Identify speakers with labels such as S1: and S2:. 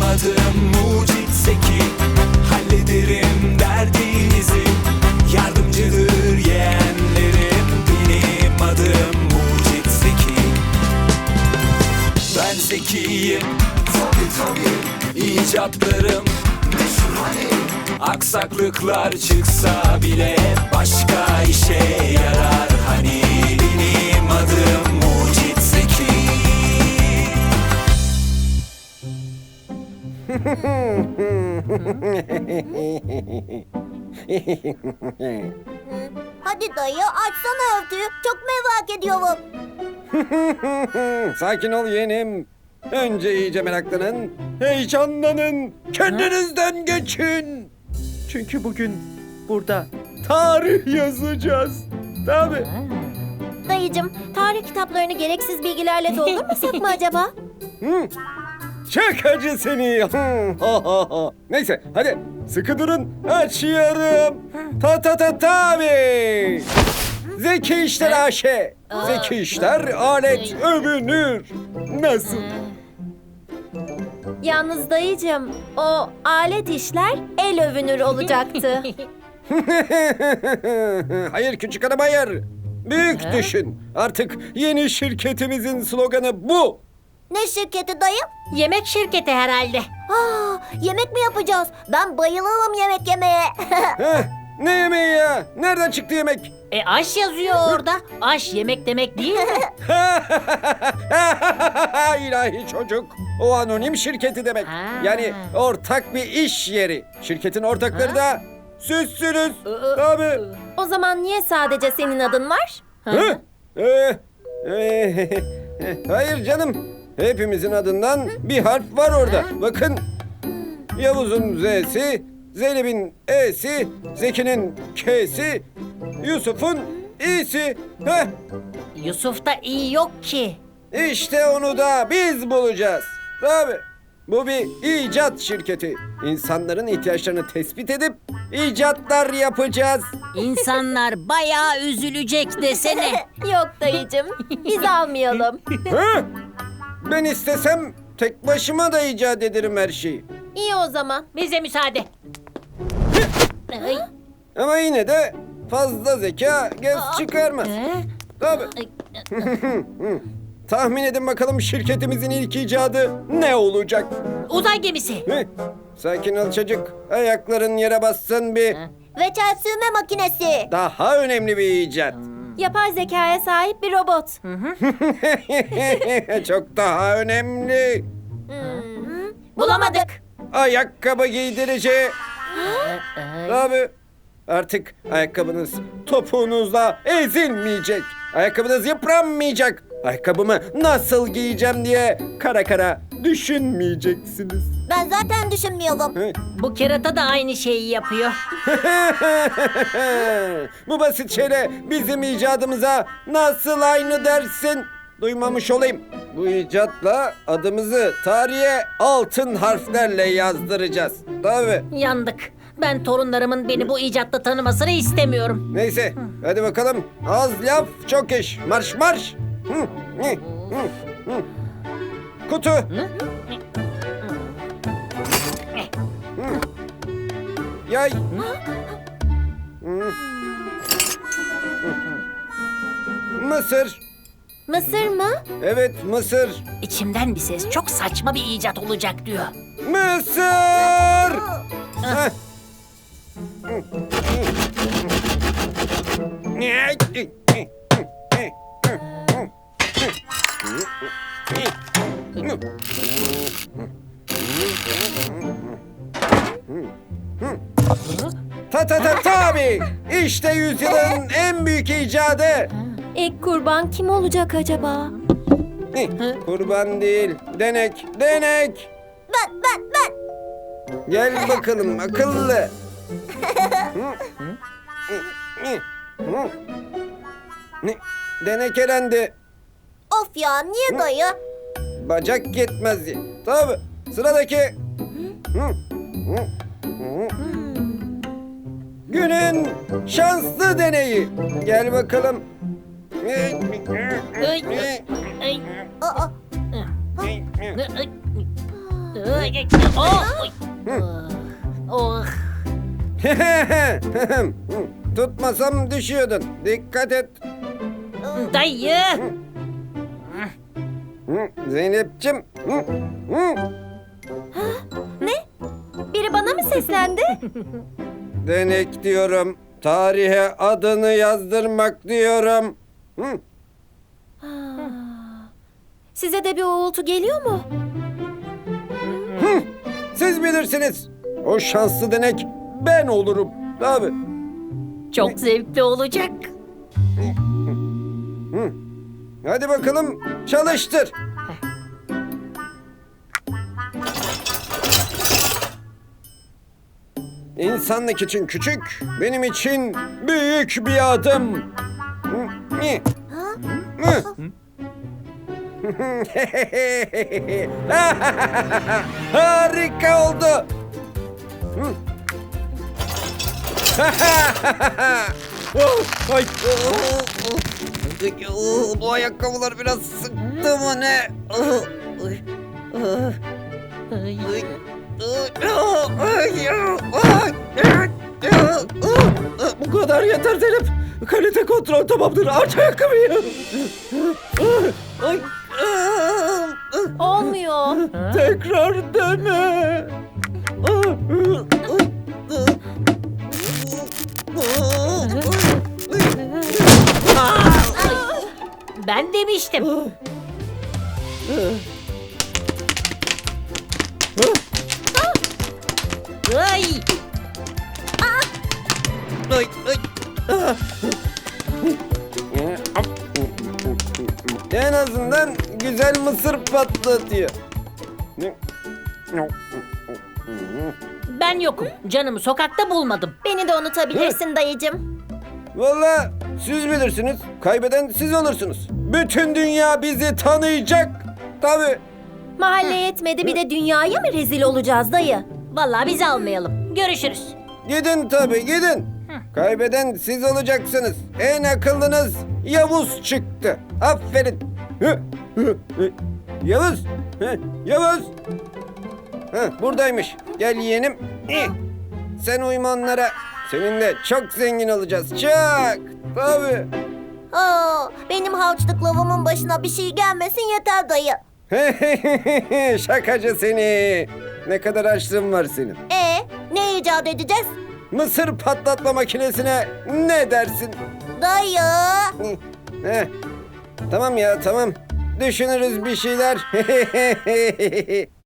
S1: adım Mucit Zeki. Hallederim derdinizi, yardımcıdır yeğenlerim. Benim adım Mucit Zeki. Ben zekiyim, tabii icatlarım meşhur hani. Aksaklıklar çıksa bile başka işe yarar hani. Benim adım Mucit Zeki.
S2: Hadi dayı açsana örtüyü. Çok merak ediyorum.
S3: Sakin ol yeğenim. Önce iyice meraklanın, heyecanlanın, kendinizden geçin. Çünkü bugün burada tarih yazacağız. Tabii.
S2: Dayıcım, tarih kitaplarını gereksiz bilgilerle doldurmasak mı acaba?
S3: Şakacı seni. Neyse hadi sıkı durun, açıyorum. Tabii. Zeki İşler AŞ. Zeki İşler alet övünür. Nasıl?
S2: Yalnız dayıcım, o alet işler el övünür olacaktı.
S3: Hayır küçük hanım hayır. Büyük düşün. Artık yeni şirketimizin sloganı bu.
S2: Ne şirketi dayı?
S4: Yemek şirketi herhalde.
S2: Yemek mi yapacağız? Ben bayılırım yemek yemeye.
S3: Heh, ne yemeği ya? Nereden çıktı yemek?
S4: Aş yazıyor orada. Aş yemek demek değil mi?
S3: İlahi çocuk. O anonim şirketi demek.
S4: Ha.
S3: Yani ortak bir iş yeri. Şirketin ortakları da sizsiniz.
S4: Aa.
S3: Tabii.
S2: O zaman niye sadece senin adın var?
S3: Hı? Hayır canım. Hepimizin adından bir harf var orada. Bakın. Yavuz'un Z'si, Zeynep'in E'si, Zeki'nin K'si, Yusuf'un İ'si. Heh,
S4: Yusuf'ta iyi yok ki.
S3: işte onu da biz bulacağız. Tabii. Bu bir icat şirketi. İnsanların ihtiyaçlarını tespit edip icatlar yapacağız.
S4: İnsanlar bayağı üzülecek desene.
S2: Yok dayıcım, biz almayalım.
S3: Hı? Ben istesem tek başıma da icat ederim her şeyi.
S2: İyi o zaman.
S4: Bize müsaade. Ay,
S3: Ama yine de fazla zeka göz çıkarmaz. Tabii.
S4: ay,
S3: Tahmin edin bakalım şirketimizin ilk icadı ne olacak?
S4: Uzay gemisi.
S3: Hı? Sakin ol çocuk. Ayakların yere bassın bir.
S2: Reçel sürme makinesi.
S3: Daha önemli bir icat.
S2: Yapay zekaya sahip bir robot.
S3: Çok daha önemli.
S2: Bulamadık.
S3: Ayakkabı giydirici. Tabii. Artık ayakkabınız topuğunuzla ezilmeyecek. Ayakkabınız yıpranmayacak. Ayakkabımı nasıl giyeceğim diye kara kara düşünmeyeceksiniz.
S2: Ben zaten düşünmüyorum.
S4: Bu kerata da aynı şeyi yapıyor.
S3: Bu basit şeyle bizim icadımıza nasıl aynı dersin? Duymamış olayım. Bu icatla adımızı tarihe altın harflerle yazdıracağız. Tabii.
S4: Yandık. Ben torunlarımın beni bu icatta tanımasını istemiyorum.
S3: Neyse hadi bakalım. Az laf çok iş. Marş marş. Kutu. Yay. Mısır.
S2: Mısır mı?
S3: Evet mısır.
S4: İçimden bir ses çok saçma bir icat olacak diyor.
S3: Mısır. Heh. Tabii. İşte yüzyılın en büyük icadı.
S2: İlk kurban kim olacak acaba?
S3: Kurban değil, denek.
S2: Ben.
S3: Gel bakalım akıllı. Denek elendi.
S2: Of ya, niye dayı?
S3: Bacak yetmez diye. Tabii. Sıradaki. Günün şanslı deneyi. Gel bakalım.
S4: Ay, ay,
S2: Aa,
S4: ay. Oh, oy. Oh.
S3: Tutmasam düşüyordun. Dikkat et.
S4: Dayı.
S3: Zeynep'cim.
S2: Ne? Biri bana mı seslendi?
S3: Denek diyorum. Tarihe adını yazdırmak diyorum.
S2: Size de bir uğultu geliyor mu?
S3: Siz bilirsiniz. O şanslı denek ben olurum. Tabii.
S4: Çok zevkli olacak.
S3: Hadi bakalım çalıştır. İnsanlık için küçük, benim için büyük bir adım. Harika oldu. Oh, ay, bu ayakkabılar biraz sıktı mı ne? Bu kadar yeter Zeynep. Kalite kontrol tamamdır. Aç ayakkabıyı. Ay,
S2: Olmuyor.
S3: tekrar dene.
S4: Ben demiştim. Ay.
S3: Ay, ay. En azından güzel mısır patlatıyor.
S4: Ben yokum. Canımı sokakta bulmadım.
S2: Beni de unutabilirsin dayıcım.
S3: Vallahi siz bilirsiniz. Kaybeden siz olursunuz. Bütün dünya bizi tanıyacak. Tabii.
S2: Mahalle yetmedi bir de dünyaya mı rezil olacağız dayı?
S4: Vallahi bizi almayalım. Görüşürüz.
S3: Gidin tabii gidin. Kaybeden siz olacaksınız. En akıllınız Yavuz çıktı. Aferin. Yavuz. Yavuz. Buradaymış. Gel yeğenim. Sen uyma onlara. Seninle çok zengin olacağız. Çok. Tabii.
S2: Benim harçlık lavamın başına bir şey gelmesin yeter dayı.
S3: Şakacı seni. Ne kadar açlığın var senin.
S2: Ne icat edeceğiz?
S3: Mısır patlatma makinesine ne dersin?
S2: Dayı.
S3: Heh. Tamam ya tamam. Düşünürüz bir şeyler.